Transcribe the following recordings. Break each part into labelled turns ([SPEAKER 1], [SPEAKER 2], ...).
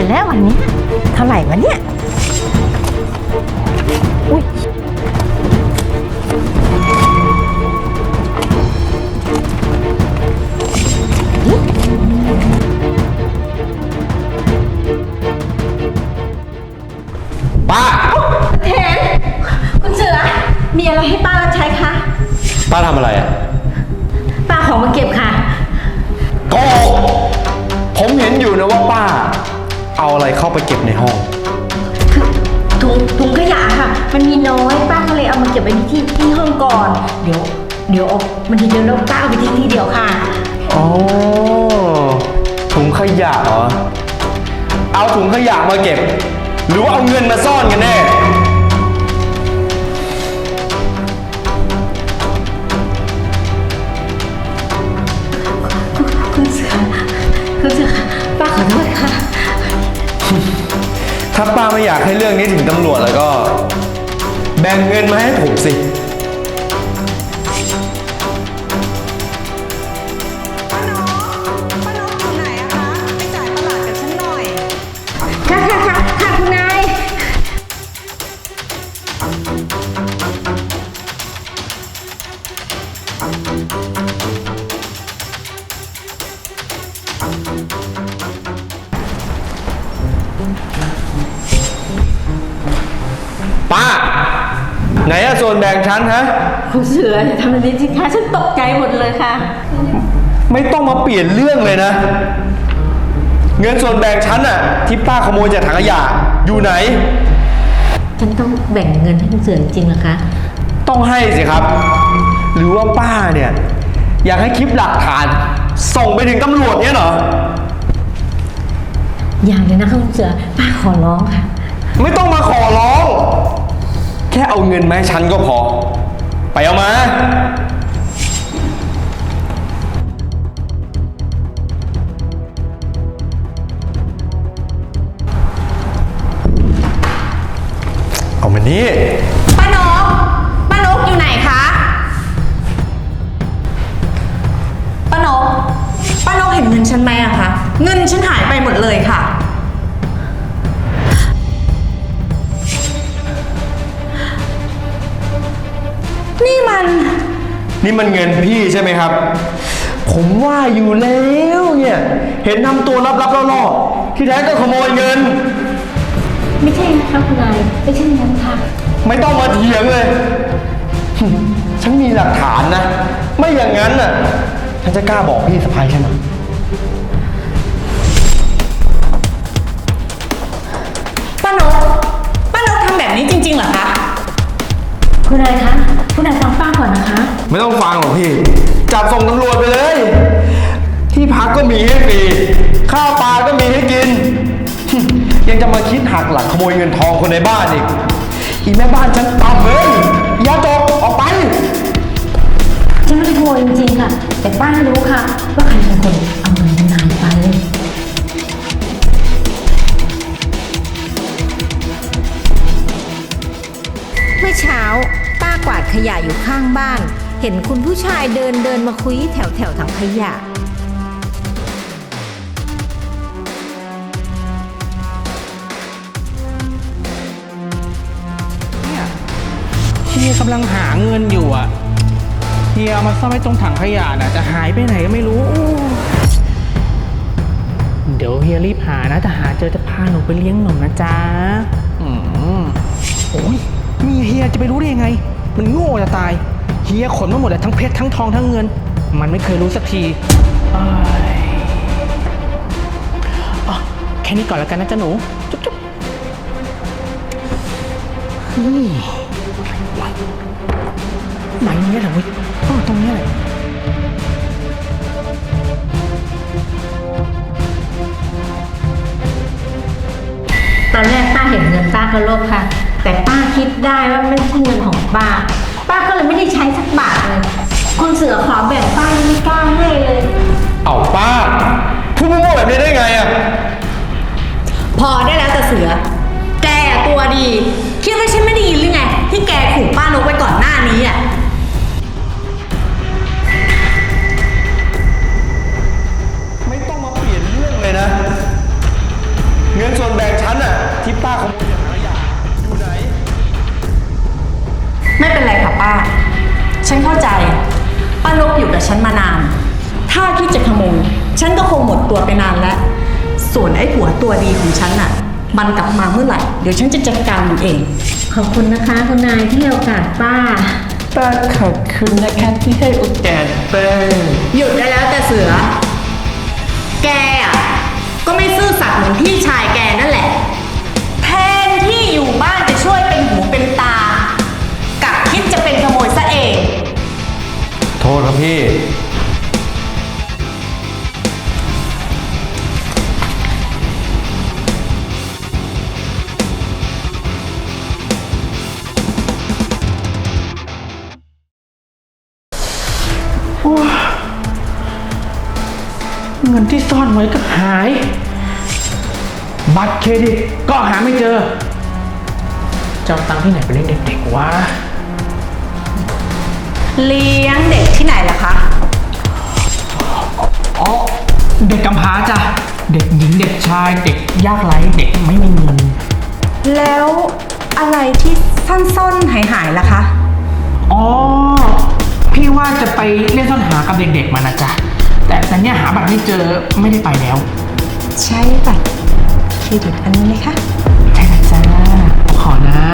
[SPEAKER 1] เลยแล้ววันนี้เท่าไหร่วะเนี่ยอุ้ย
[SPEAKER 2] ป้า
[SPEAKER 1] เห็นคุณเสือมีอะไรให้ป้ารับใช้คะ
[SPEAKER 2] ป้าทำอะไรอ่ะ
[SPEAKER 1] ป้าของมาเก็บค่ะ
[SPEAKER 2] โกหกผมเห็นอยู่นะว่าป้าเอาอะไรเข้าไปเก็บในห้อง
[SPEAKER 1] ถุงขยะค่ะมันมีน้อยป้าก็เลยเอามาเก็บไว้ที่ห้องก่อนเดี๋ยวมันทีเดียวแล้วป้าเอาไปทิ้งทีเดียวค่ะ
[SPEAKER 2] อ๋อถุงขยะเหรอเอาถุงขยะมาเก็บหรือว่าเอาเงินมาซ่อนกันแน่
[SPEAKER 1] คุณเสือป้าขอโทษค่ะ
[SPEAKER 2] ถ้าป้าไม่อยากให้เรื่องนี้ถึงตำรวจแล้วก็แบ่งเงินมาให้ผมสิ
[SPEAKER 3] ป้านกอยู่ไหนอะคะไปจ่ายตลาดกับฉันหน่อย
[SPEAKER 1] ค่ะคุณนาย
[SPEAKER 2] ป้าไหนอะส่วนแบ่งฉันฮะ
[SPEAKER 1] คุณเสืออย่าทำแบบนี้สิคะฉันตกใจหมดเลยค่ะ
[SPEAKER 2] ไม่ต้องมาเปลี่ยนเรื่องเลยนะเงินส่วนแบ่งฉันอะที่ป้าขโมยจากถังขยะอยู่ไหน
[SPEAKER 1] ฉันต้องแบ่งเงินให้คุณเสือจริงๆเหรอคะ
[SPEAKER 2] ต้องให้สิครับหรือว่าป้าเนี่ยอยากให้คลิปหลักฐานส่งไปถึงตำรวจเนี่ยเหรอ
[SPEAKER 1] อย่างเลยนะคะคุณเสือป้าขอร้องค่ะ
[SPEAKER 2] ไม่ต้องมาขอร้องแค่เอาเงินมาให้ฉันก็พอไปเอามาเอามานี่
[SPEAKER 3] ป้านกอยู่ไหนคะป้านกเห็นเงินฉันไหมอะคะเงินฉันหายไปหมดเลยค่ะนี่
[SPEAKER 2] มันเงินพี่ใช่ไหมครับผมว่าอยู่แล้วเนี่ยเห็นทำตัวลับๆล่อๆที่แท้ก็ขโมยเงิน
[SPEAKER 1] ไม่ใช่นะคะคุณนายไม่ใช่นั้นค่ะ
[SPEAKER 2] ไม่ต้องมาเถียงเลยฉันมีหลักฐานนะไม่อย่างนั้นน่ะฉันจะกล้าบอกพี่สะพ้ายใช่ไหม
[SPEAKER 3] ป้านกทำแบบนี้จริงๆเหรอคะ
[SPEAKER 1] คุณนายคะคุณนายฟังป้าก่อนนะคะ
[SPEAKER 2] ไม่ต้องฟังหรอกพี่จับส่งตำรวจไปเลยที่พักก็มีให้ฟรีข้าวปลาก็มีให้กินยังจะมาคิดหักหลังขโมยเงินทองคนในบ้านอีแม่บ้านฉันต่ำเลยอย่าตกออกไป
[SPEAKER 1] ฉันไม่ได้ขโมยจริงๆค่ะแต่ป้ารู้ค่ะว่าใครเป็นคนเอาเงินคุณนายไป
[SPEAKER 4] เมื่อเช้าป้ากวาดขยะอยู่ข้างบ้านเห็นคุณผู้ชายเดินมาคุยแถวถังขยะ
[SPEAKER 5] เฮียกำลังหาเงินอยู่อ่ะเฮียเอามาซ่อนไว้ตรงถังขยะน่ะจะหายไปไหนก็ไม่รู้เดี๋ยวเฮียรีบหานะถ้าหาเจอจะพาหนูไปเลี้ยงหนมนะจ๊ะโอ้ยมีเฮียจะไปรู้ได้ยังไงมันโง่จะตายเฮียขนมาหมดเลยทั้งเพชรทั้งทองทั้งเงินมันไม่เคยรู้สักทีแค่นี้ก่อนแล้วกันนะจ๊ะหนูจุ๊บจุ๊บไหนเนี้ยเหรอเว้ยตรงนี้แหละ
[SPEAKER 1] ตอนแรกป้าเห็นเงินป้าก็โลภค่ะแต่ป้าคิดได้ว่าไม่ใช่เงินของป้าก็เลยไม่ได้ใช้สักบาทเลยคุณเสือขอแบ่งป้าไม่กล้าให้เลย
[SPEAKER 2] เอาป้าพูดมั่วแบบนี้ได้ไงอะ
[SPEAKER 3] พอได้แล้วแต่เสือแกตัวดีคิดว่าฉันไม่ได้ยินหรือไงที่แกขู่ป้านกไว้ก่อนหน้านี้อะ
[SPEAKER 2] ไม่ต้องมาเปลี่ยนเรื่องเลยนะเงินส่วน
[SPEAKER 3] ฉันเข้าใจป้านกอยู่กับฉันมานาน ถ้าคิดจะขโมยฉันก็คงหมดตัวไปนานแล้ว ส่วนไอ้ผัวตัวดีของฉันน่ะ มันกลับมาเมื่อไหร่ เดี๋ยวฉันจะจัดการมันเอง
[SPEAKER 1] ขอบคุณนะคะคุณนายที่ให้โอกาสป้า
[SPEAKER 2] ป้าขอบคุณนะคะที่ให้โอกาสป้า
[SPEAKER 3] หยุดได้แล้วแต่เสือ แกอ่ะก็ไม่ซื่อสัตย์เหมือนพี่ชายแกนั่นแหละ แทนที่อยู่บ้านจะช่วยเป็นหูเป็นตากลับคิดจะเป็นขโมยซะเอง
[SPEAKER 2] โทษครับพี่
[SPEAKER 5] เงินที่ซ่อนไว้ก็หาย บัตรเครดิตก็หาไม่เจอจะเอาตังค์ที่ไหนไปเลี้ยงเด็กๆวะ
[SPEAKER 3] เลี้ยงเด็กที่ไหนล่ะคะ
[SPEAKER 5] อ๋อ เด็กกำพร้าจ้ะ เด็กหญิงเด็กชาย เด็กยากไร้เด็กไม่มีเงิน
[SPEAKER 3] แล้วอะไรที่ซ่อนๆหายๆล่ะคะ
[SPEAKER 5] อ๋อ พี่ว่าจะไปเล่นซ่อนหากับเด็กๆมานะจ๊ะ แต่เนี่ยหาบัตรไม่เจอไม่ได้ไปแล้ว
[SPEAKER 3] ใช่บัตรเครดิตอันนี้ไหมคะ
[SPEAKER 5] ใช่นะจ๊ะ ขอนะ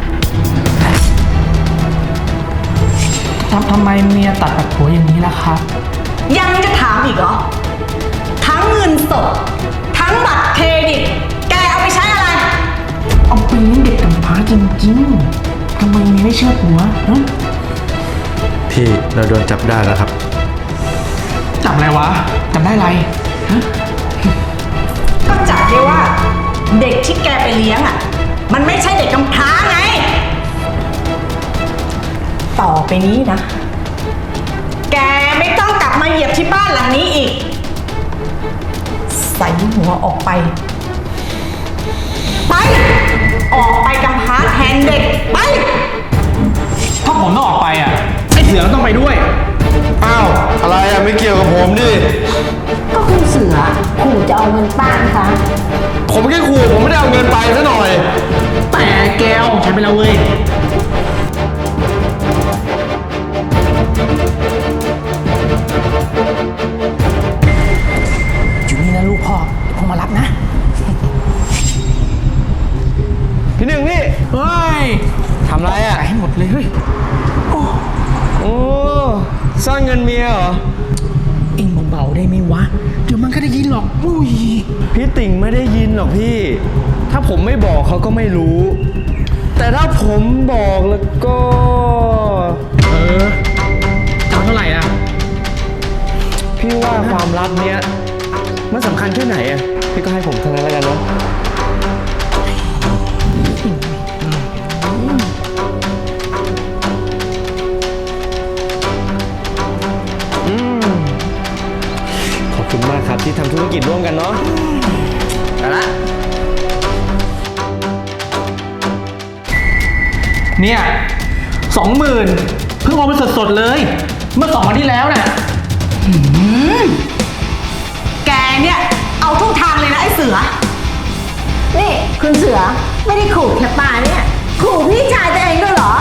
[SPEAKER 5] ทำไมเมียตัดกับผัวอย่างนี้ล่ะครับ
[SPEAKER 3] ยังจะถามอีกเหรอ ทั้งเงินสด ทั้งบัตรเครดิต แกเอาไปใช้อะไร
[SPEAKER 5] เอาไปเลี้ยงเด็กกำพร้าจริงๆ ทำไมเมียไม่เชื่อผัวฮะ
[SPEAKER 2] พี่เราโดนจับได้แล้วครับ
[SPEAKER 5] จับอะไรวะ จับได้อะไรฮะ
[SPEAKER 3] ก็จับได้ว่าเด็กที่แกไปเลี้ยงอ่ะ มันไม่ใช่เด็กกำพร้าไง ต่อไปนี้นะ แกไม่ต้องกลับมาเหยียบที่บ้านหลังนี้อีก ใส่หัวออกไป ไป ออกไปกำพร้าแทนเด็ก ไป
[SPEAKER 5] ถ้าผมต้องออกไปอ่ะ ไอ้เสือก็ต้องไปด้วย
[SPEAKER 2] อ้าว อะไรอะไม่เกี่ยวกับผมดิ
[SPEAKER 1] ก็คุณเสือขู่จะเอาเงินป้านะคะ
[SPEAKER 2] ผมแค่ขู่ผมไม่ได้เอาเงินไปซะหน่อย
[SPEAKER 5] แต่แกวใช้ไปแล้วเว้ย อยู่นี่นะลูกพ่อเดี๋ยวพ่อมารับนะ
[SPEAKER 2] พี่หนึ่งนี่
[SPEAKER 5] เฮ้ย
[SPEAKER 2] ทำไรอะ
[SPEAKER 5] จ่ายให้หมดเลยเฮ้ย
[SPEAKER 2] โอ้ซ่อนเงินเมียเหรอ
[SPEAKER 5] เอ็งเบาๆได้ไหมวะ เดี๋ยวมันก็ได้ยินหรอก อุ้ย
[SPEAKER 2] พี่ติ่งไม่ได้ยินหรอกพี่ ถ้าผมไม่บอกเขาก็ไม่รู้ แต่ถ้าผมบอกแล้วก็
[SPEAKER 5] เออเอาเท่าไหร่อ่ะ
[SPEAKER 2] พี่ว่าความลับเนี้ยมันสำคัญแค่ไหนอะพี่ก็ให้ผมเท่านั้นแล้วกันเนาะ ขอบคุณมากครับที่ทำธุรกิจร่วมกันเนาะไปละ
[SPEAKER 5] เนี่ย20,000เพิ่งเอาไปสดๆเลย เมื่อ2 วันที่แล้วน่ะ
[SPEAKER 3] แกเนี่ย เอาทุกทางเลยนะไอ้เสือ
[SPEAKER 1] นี่คุณเสือไม่ได้ขู่แค่ป้าเนี่ย ขู่พี่ชายตัวเองด้วยเหรอ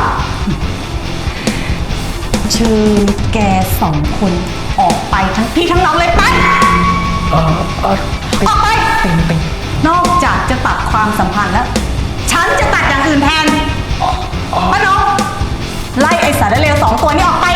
[SPEAKER 3] เชิญแก2 คนออกไปทั้งพี่ทั้งน้องเลยไป ออกไป นอกจากจะตัดความสัมพันธ์แล้ว ฉันจะตัดอย่างอื่นแทนป้าน้องไล่ไอ้สารเลว2 ตัวนี้ออกไป